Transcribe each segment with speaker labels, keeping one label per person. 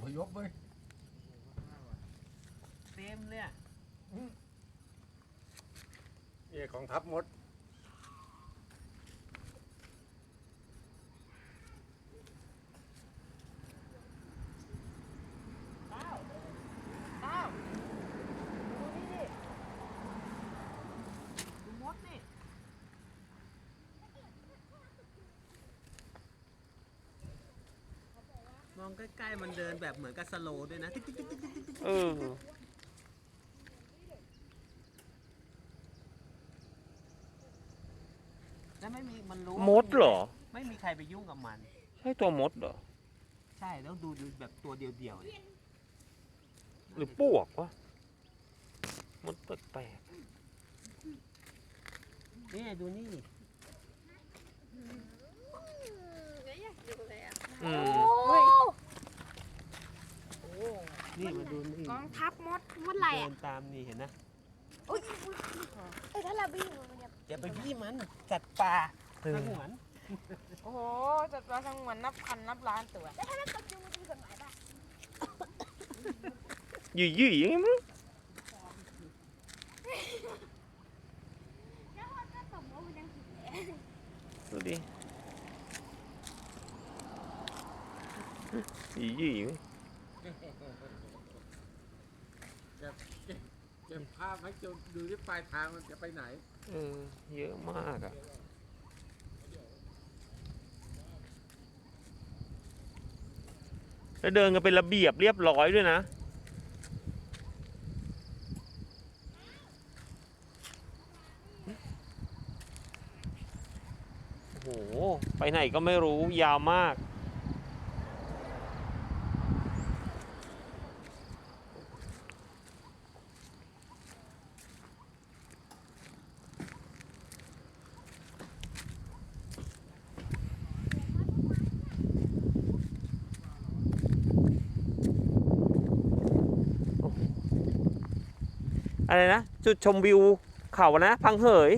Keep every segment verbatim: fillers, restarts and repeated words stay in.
Speaker 1: พยพเว้ย
Speaker 2: เต็มเลยอ่ะ
Speaker 1: เอกของทัพมด
Speaker 2: มองใกล้ๆมันเดินแบบเหมือนกับสโลว์ด้วยนะ
Speaker 3: เออ
Speaker 2: แล้วไม่มีมันรู้
Speaker 3: มดเหรอ
Speaker 2: ไม่มีใครไปยุ่งกับมัน
Speaker 3: ใช่ตัวมดเหรอ
Speaker 2: ใช่แล้วดูดูแบบตัวเดียวๆเนี่ย
Speaker 3: หรือปวกวะมดแปลก
Speaker 2: ๆนี่ดูนี่
Speaker 3: อืม
Speaker 2: นี่มาดูนี่
Speaker 4: กองทัพมดมดอะไร
Speaker 2: เดิ
Speaker 4: อ่ะ
Speaker 2: นตามนี่เห็นนะ
Speaker 4: อุ้ยเอ้ยถ้าเราบี้มันจะ
Speaker 2: อย่าไปบี้มันสัตว์ป่าสงวน
Speaker 4: โอ้โหจัดปลาสงวนนับพันนับล้านตัวแล้วถ้าเราตกจูมันจะมีกฎหมายป่ะ
Speaker 3: ยี่ยี่อย่างงี้มั้ง
Speaker 4: แล้วถ้าตกว่ามันยังผิดเลย
Speaker 3: ดูดิยี่ยี่มั้ง
Speaker 1: เก็บภาพให้จนดูที่ปลายทางมันจะไปไหน
Speaker 3: เออเยอะมากอ่ะแล้วเดินกันเป็นระเบียบเรียบร้อยด้วยนะโอ้โหไปไหนก็ไม่รู้ยาวมากอะไรนะจุดชมวิวเขานะพังเหย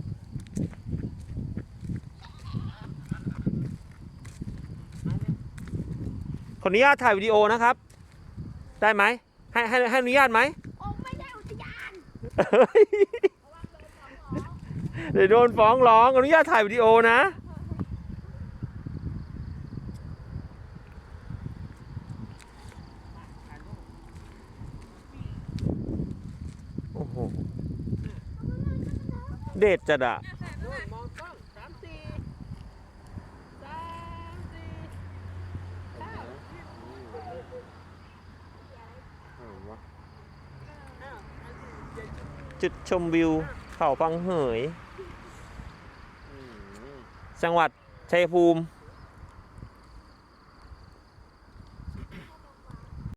Speaker 3: ขออนุญาตถ่ายวิดีโอนะครับได้ไหมให้ให้ให้อนุญาตไหม
Speaker 4: โอ้ไม่ได้อุทยาน
Speaker 3: เดี๋ยวโดนฟ้องร้องอนุญาตถ่ายวิดีโอนะโอ้โหเด็ดจัดอะ
Speaker 2: มองกล้องสามสี่สามสี่เก้า
Speaker 3: จุดชมวิวเขาพังเหยจังหวัดชัยภูมิ